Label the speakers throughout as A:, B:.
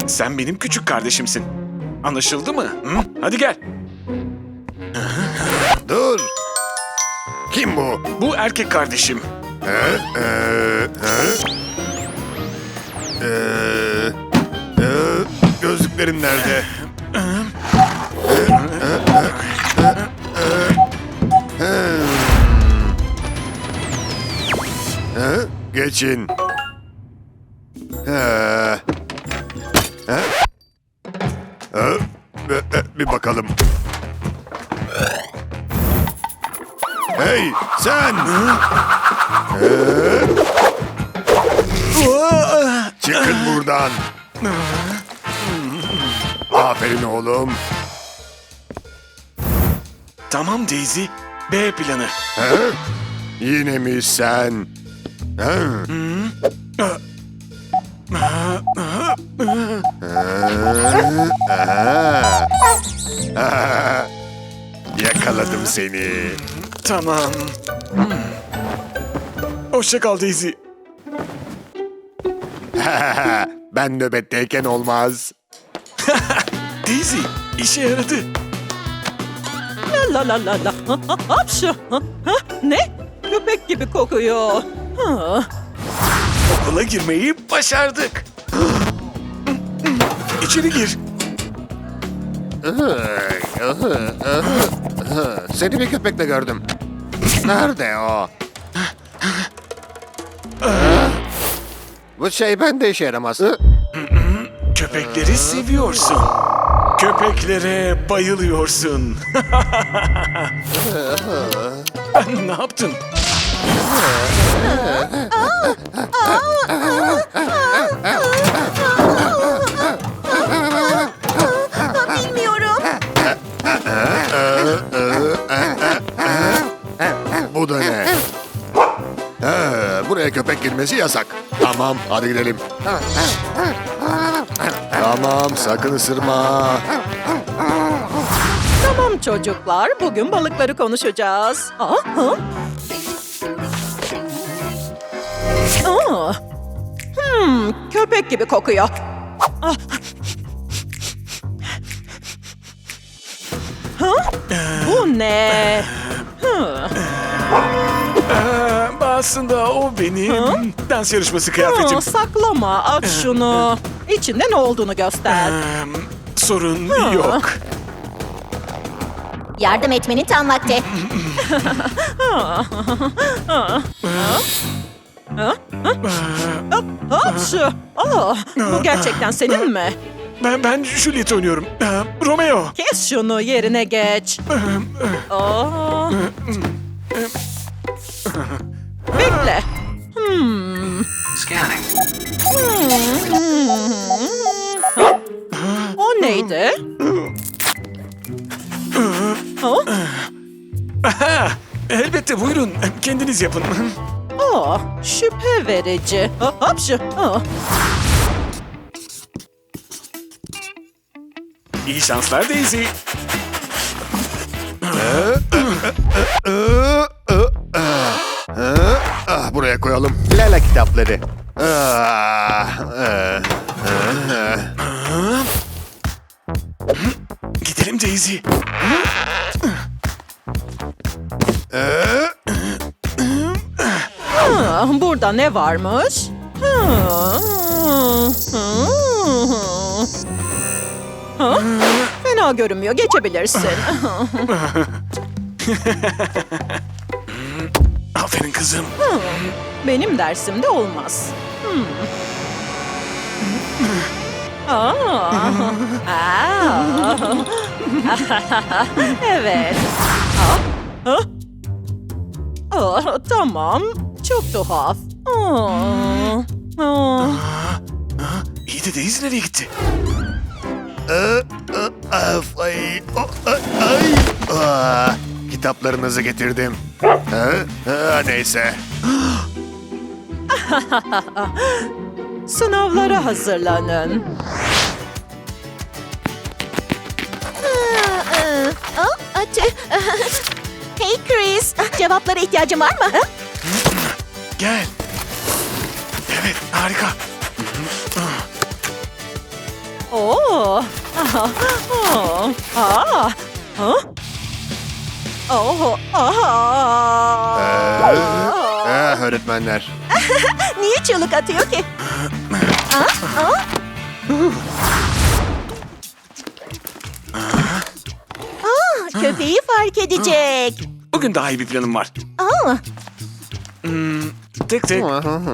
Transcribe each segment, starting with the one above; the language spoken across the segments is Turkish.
A: Sen benim küçük kardeşimsin. Anlaşıldı mı? Hı? Hadi gel.
B: Dur. Kim bu?
A: Bu erkek kardeşim.
B: Gözlüklerim nerede? Geçin. Bir bakalım. Hey sen! Çıkın buradan. Aferin oğlum.
A: Tamam Daisy. B planı.
B: Yine mi sen? Yakaladım seni.
A: Tamam. Hoşça kal Daisy.
B: Ben nöbetteyken olmaz.
A: Daisy, işe yaradı.
C: La la la la. Hapşu. Ne? Köpek gibi kokuyor.
A: Okula girmeyi başardık. İçeri gir.
B: Seni bir köpekle gördüm. Nerede o? Bu şey bende işe yaramaz.
A: Köpekleri seviyorsun. Köpeklere bayılıyorsun. Ne yaptın?
D: Bilmiyorum.
B: Bu da ne? Buraya köpek girmesi yasak. Tamam, hadi gidelim. Tamam, sakın ısırma.
C: Tamam çocuklar, bugün balıkları konuşacağız. Köpek gibi kokuyor. Bu ne?
A: Aslında o benim dans yarışması kıyafetim.
C: Saklama, aç şunu. İçinde ne olduğunu göster.
A: Sorun yok.
D: Yardım etmenin tam vakti.
C: Hapşu. Bu gerçekten senin mi?
A: Ben Juliet oynuyorum. Romeo.
C: Kes şunu, yerine geç. Bekle. O neydi?
A: Elbette buyurun. Kendiniz yapın.
C: Şüphe verici. Hapşu.
A: İyi şanslar Daisy.
B: Buraya koyalım. Lala kitapları.
A: Gidelim Daisy.
C: Burada ne varmış? Fena görünmüyor. Geçebilirsin.
A: Aferin kızım.
C: Benim dersimde olmaz. Evet. Tamam. Çok tuhaf.
A: İyi de Daisy nereye gitti?
B: Kitaplarınızı getirdim. Neyse.
C: Sınavlara hazırlanın.
D: Hey Chris, cevaplara ihtiyacın var mı?
A: Gel. Evet, harika.
C: Oh, aha, oh, ah, ah. Oh, ah.
B: Öğretmenler.
D: Niye çığlık atıyor ki? Köpeği fark edecek.
A: Bugün daha iyi bir planım var.
D: Aa,
A: Tek tek.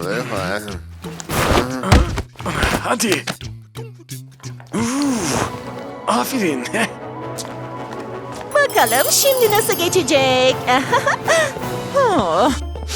A: Hadi. Aferin.
D: bakalım şimdi nasıl geçecek?
C: Ah.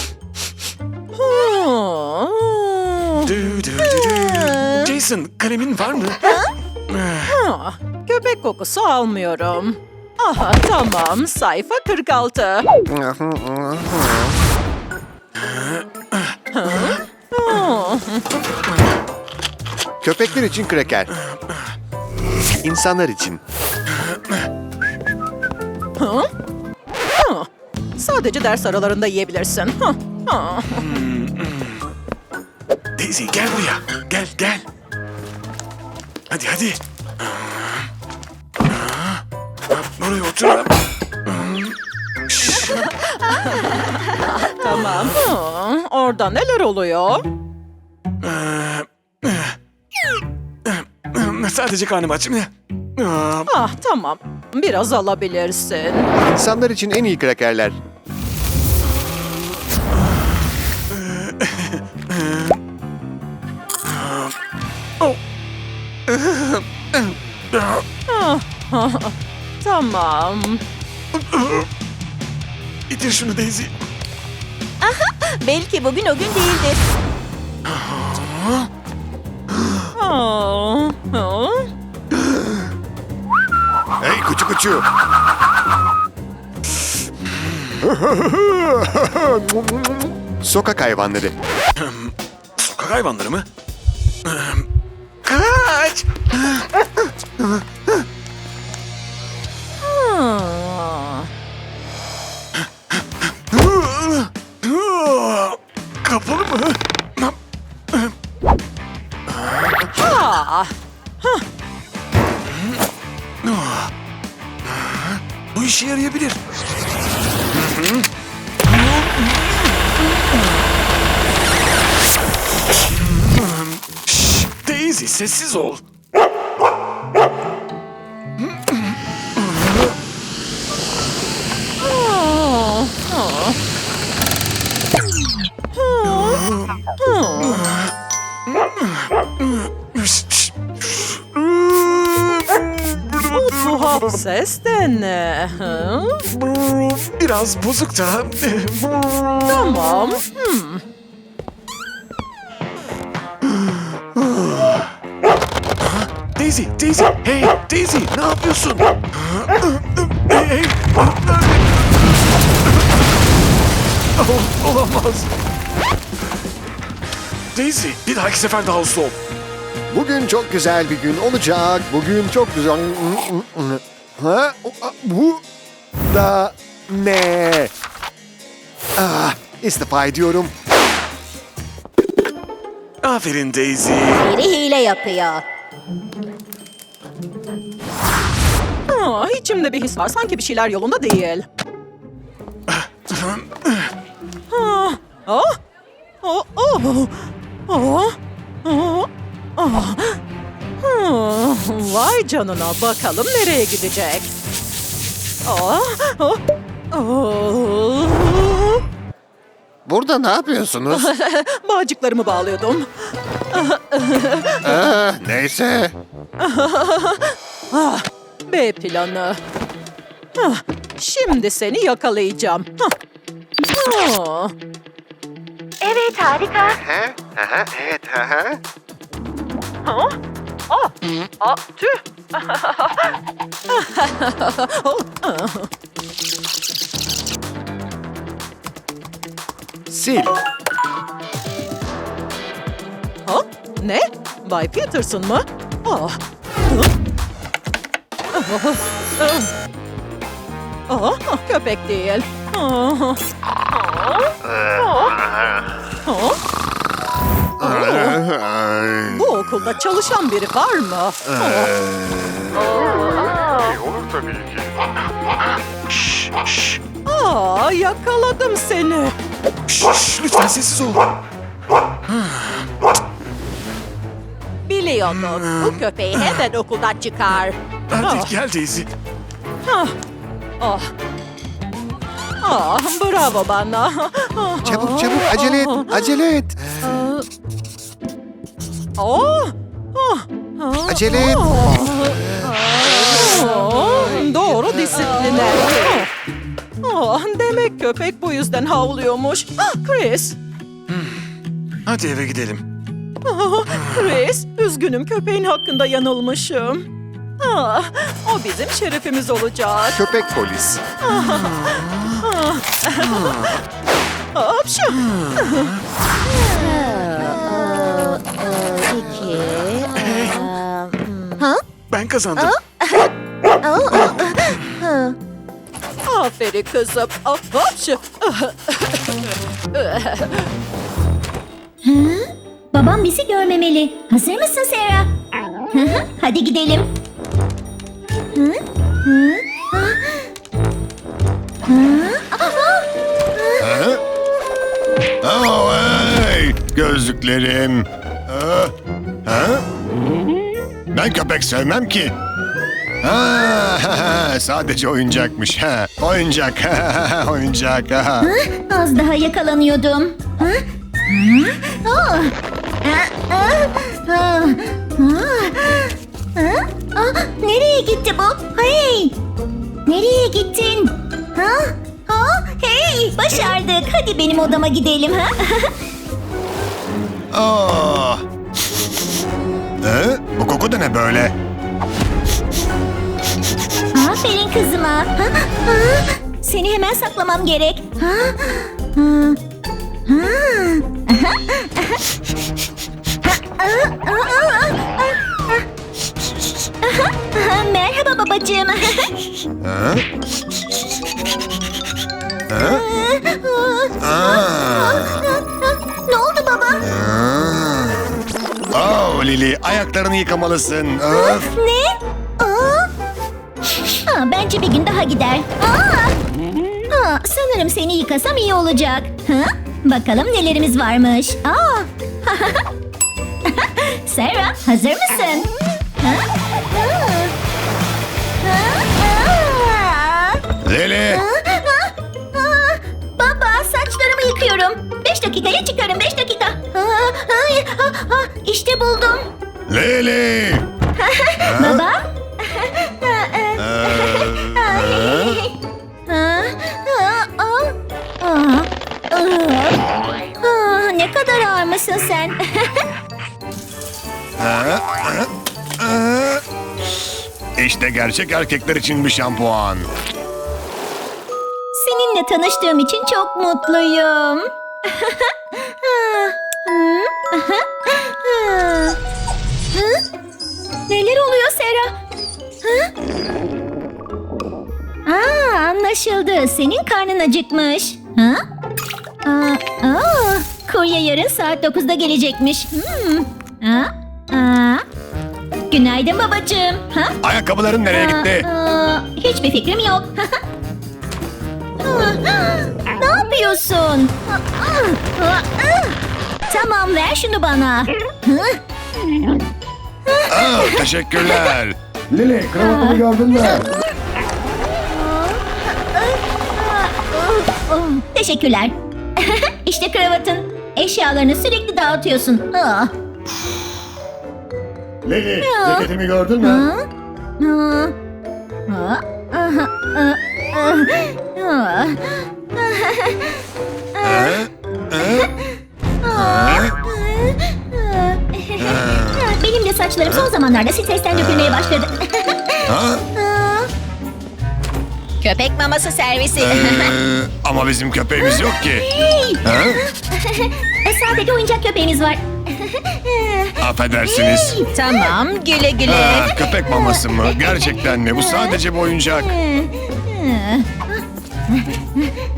C: Ah.
A: Dü, dü, dü, dü. Jason, kalemin var mı?
C: Ah, köpek kokusu almıyorum. Aha, tamam. Sayfa 46.
B: Köpekler için kraker. İnsanlar için.
C: Sadece ders aralarında yiyebilirsin.
A: Daisy gel buraya. Gel gel. Hadi hadi. Buraya otur.
C: Tamam. Orada neler oluyor?
A: Sadece karnım aç.
C: Ah, tamam. Biraz alabilirsin.
B: İnsanlar için en iyi krakerler.
C: Tamam.
A: İtir şunu Daisy.
D: Belki bugün o gün değildir.
C: Ah, ah.
B: Hey kuçu kuçu. Sokak hayvanları.
A: Sokak hayvanları mı? Kaç!
C: Ah.
A: Kapalı mı?
C: Ah.
A: Bu işe yarayabilir. Şşş, Daisy sessiz ol.
C: Ah. Ah. Bu tuhaf ses de ne? Hı?
A: Biraz bozuk da.
C: Tamam.
A: Daisy, Daisy, hey Daisy, ne yapıyorsun? Hey, hey. Oh, olamaz. Daisy, bir dahaki sefer daha uslu ol.
B: Bugün çok güzel bir gün olacak. Bugün çok güzel... Ha? Bu da ne? Ah, istifa ediyorum.
A: Aferin Daisy.
D: Biri hile yapıyor.
C: Ah, içimde bir his var. Sanki bir şeyler yolunda değil. Ah, ah, oh, oh, oh, oh, oh. Vay canına, bakalım nereye gidecek. Oh, oh, oh.
B: Burada ne yapıyorsunuz?
C: Bağcıklarımı bağlıyordum.
B: Neyse.
C: Ah, B planı. Ah, şimdi seni yakalayacağım. Ah.
D: Evet, harika.
B: Evet.
C: Tüh.
B: Sil.
C: Ha? Ne? Bay Peterson mı? Ah. Köpek değil. Bu okulda çalışan biri var mı? Yakaladım seni.
A: Şşş, lütfen sessiz ol.
D: Biliyordum. Bu köpeği hemen okuldan çıkar.
A: Hadi gel Daisy.
C: Bravo bana.
B: Çabuk çabuk acele et. Acele et. Acele et.
C: Doğru disipline. Demek köpek bu yüzden havlıyormuş. Chris.
A: Hadi eve gidelim.
C: Chris, üzgünüm köpeğin hakkında yanılmışım. O bizim şerefimiz olacak.
B: Köpek polis.
C: Hapşu.
A: Ben kazandım.
C: Aferin kızım. Hapşu.
E: Babam bizi görmemeli. Hazır mısın Sarah? Hı hı, hadi gidelim. Hı? Hı? Ha? Hı?
F: Oh, hey! Gözlüklerim. Ha? Ben köpek sevmem ki. Sadece oyuncakmış. Oyuncak. Oyuncak.
E: Az daha yakalanıyordum. Hı? Hı? Oh. Nereye gitti bu? Hey! Nereye gittin? Hey! Başardık. Hadi benim odama gidelim. Ha?
F: Oh. Bu koku da ne böyle?
E: Aferin kızıma. Seni hemen saklamam gerek. Merhaba babacığım. Ne oldu baba?
F: Oh Lili, ayaklarını yıkamalısın. Öf.
E: Ne? Bence bir gün daha gider. Sanırım seni yıkasam iyi olacak. Bakalım nelerimiz varmış. Sarah, hazır mısın?
F: Lili.
E: Baba, saçlarımı yıkıyorum. 5 dakikaya çıkarım, 5 dakika. İşte buldum.
F: Lili.
E: Baba? Ne kadar ağır mısın sen?
F: İşte gerçek erkekler için bir şampuan.
E: Seninle tanıştığım için çok mutluyum. Neler oluyor Sarah? Anlaşıldı. Senin karnın acıkmış. Kurye yarın saat 9'da gelecekmiş. Günaydın babacığım.
F: Ayakkabıların nereye gitti?
E: Hiçbir fikrim yok. Ne yapıyorsun? Tamam, ver şunu bana.
F: Teşekkürler. Lili, kravatımı gördün mü?
E: Teşekkürler. İşte kravatın. Eşyalarını sürekli dağıtıyorsun.
F: Lili, ceketimi gördün mü?
E: Benim de saçlarım son zamanlarda stresten dökülmeye başladı.
D: Köpek maması servisi.
F: Ama bizim köpeğimiz yok ki.
E: Sadece oyuncak köpeğimiz var.
F: Affedersiniz.
D: Tamam, güle güle.
F: Köpek maması mı? Gerçekten mi? Bu sadece bir oyuncak.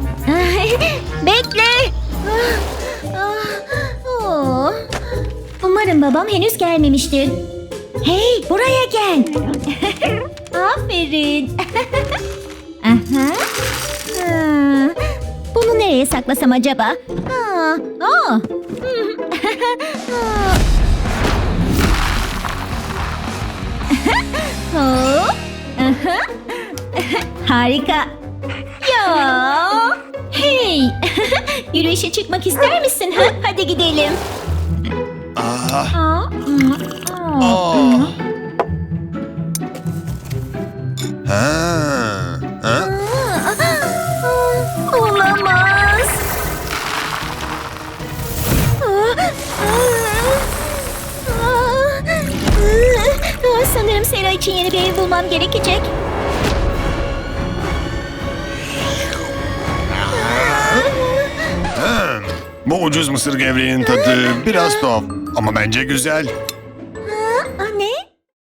E: Bekle. Umarım babam henüz gelmemiştir. Hey, buraya gel. Aferin. Aha. Ha, bunu nereye saklasam acaba? Ha, aa. Hop. Aha. Harika. Ya. Hey. Yürüyüşe çıkmak ister misin? Ha? Hadi gidelim. Aa, Olamaz. Sanırım Sera için yeni bir ev bulmam gerekecek.
F: Bu ucuz mısır gevreğinin tadı biraz tuhaf ama bence güzel.